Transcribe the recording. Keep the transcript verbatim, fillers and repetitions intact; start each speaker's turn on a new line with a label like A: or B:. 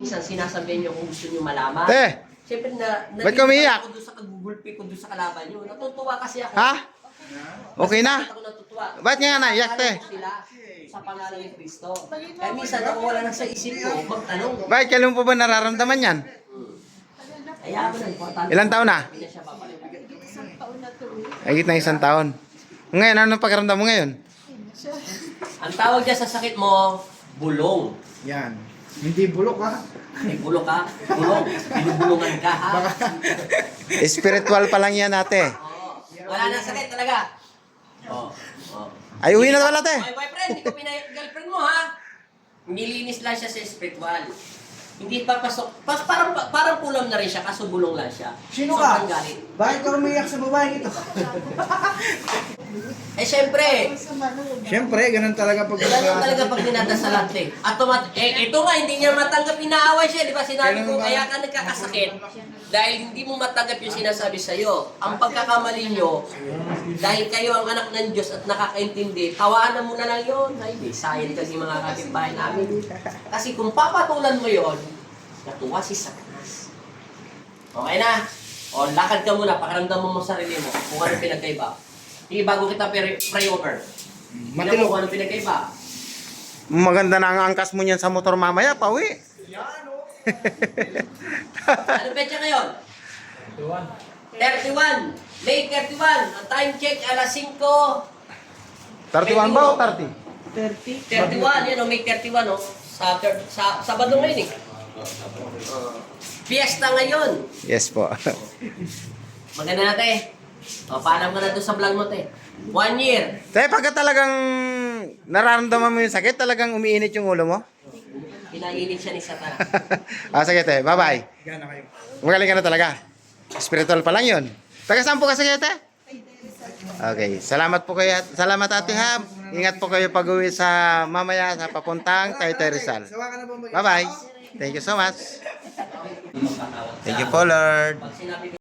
A: Minsan sinasabihin nyo kung gusto nyo malaman.
B: Eh!
A: Siyempre na,
B: Ba't ka umiiyak?
A: ako doon sa kagugulpi ko doon sa kalaban nyo. Natutuwa kasi ako.
B: Ha? Okay na?
A: Ako natutuwa.
B: Ba't nga naiyak, te?
A: Sila sa pangalan ni Kristo. Kaya minsan ako wala na sa isip ko, magtanong.
B: Bakit kailan po ba nararamdaman yan?
A: Kaya ako na, importante.
B: Ilang taon na?
A: Hindi na siya babalik.
B: Higit na isang taon. Ngayon, ano pakiramdam mo ngayon?
A: Ang tawag niya sa sakit mo, bulong.
C: Yan. Hindi bulok ha.
A: May bulong ka, bulong. Binubulungan ka, ha?
B: Spiritual pa lang yan, ate.
A: Oo. Wala na sakit talaga. Oo. Oo.
B: Ay, uwi na wala, te.
A: My boyfriend, hindi ko pinayag girlfriend mo, ha? Nilinis lang siya sa spiritual. Hindi papasok. Pas, parang, parang pulam na rin siya, kaso bulong lang siya.
C: Sino ka?
A: Sobrang galit.
C: Bakit ka umiyak sa babae ito?
A: Eh, syempre,
C: Siyempre, ganun talaga pag
A: Ganun talaga pag dinadasalan eh. At tumat eh, ito nga, hindi niya matanggap, inaaway siya. Di ba sinabi ko, kaya ka nagkakasakit. Dahil hindi mo matanggap yung sinasabi sa'yo. Ang pagkakamali nyo, dahil kayo ang anak ng Diyos at nakakaintindi, tawaanan mo na lang yun. Ay, di, sayang kasi mga kapitbahay namin. Kasi kung papatulan mo yon, natuwa si Satanas. Okay na? O, lakad ka muna, pakiramdam mo mo sarili mo kung ano pinagkaiba. Hindi, bago kita pray pray over. Tingnan mo kung ano pinagkaiba.
B: Maganda na ang angkas mo niyan sa motor mamaya, pauwi.
A: Ano petsa ngayon? thirty-one. May thirty-one. Ang time check, alas singko.
B: thirty-one ba o thirty?
A: thirty-one, yan o, May thirty-one o. Sa, sa Sabado ngayon eh. Fiesta ngayon.
B: Yes po.
A: Maganda na, te. O, paalam ka na doon sa vlog mo, te. One year.
B: Te, pagka talagang nararamdaman mo yung sakit, talagang umiinit yung ulo mo?
A: Pinainit siya ni Satan.
B: Ah, sige, te. Bye-bye.
C: Gana kayo.
B: Magaling ka na talaga. Spiritual pa lang yun. Taga saan po kasi kayo, te? Okay. Salamat po kayo. Salamat, Ate Ham. Ingat po kayo pag-uwi sa mamaya sa papuntang Taytay Rizal.
C: Sawa ka na ba mag-
B: Bye-bye. Thank you so much. Thank you po, Lord.
A: Pag sinabi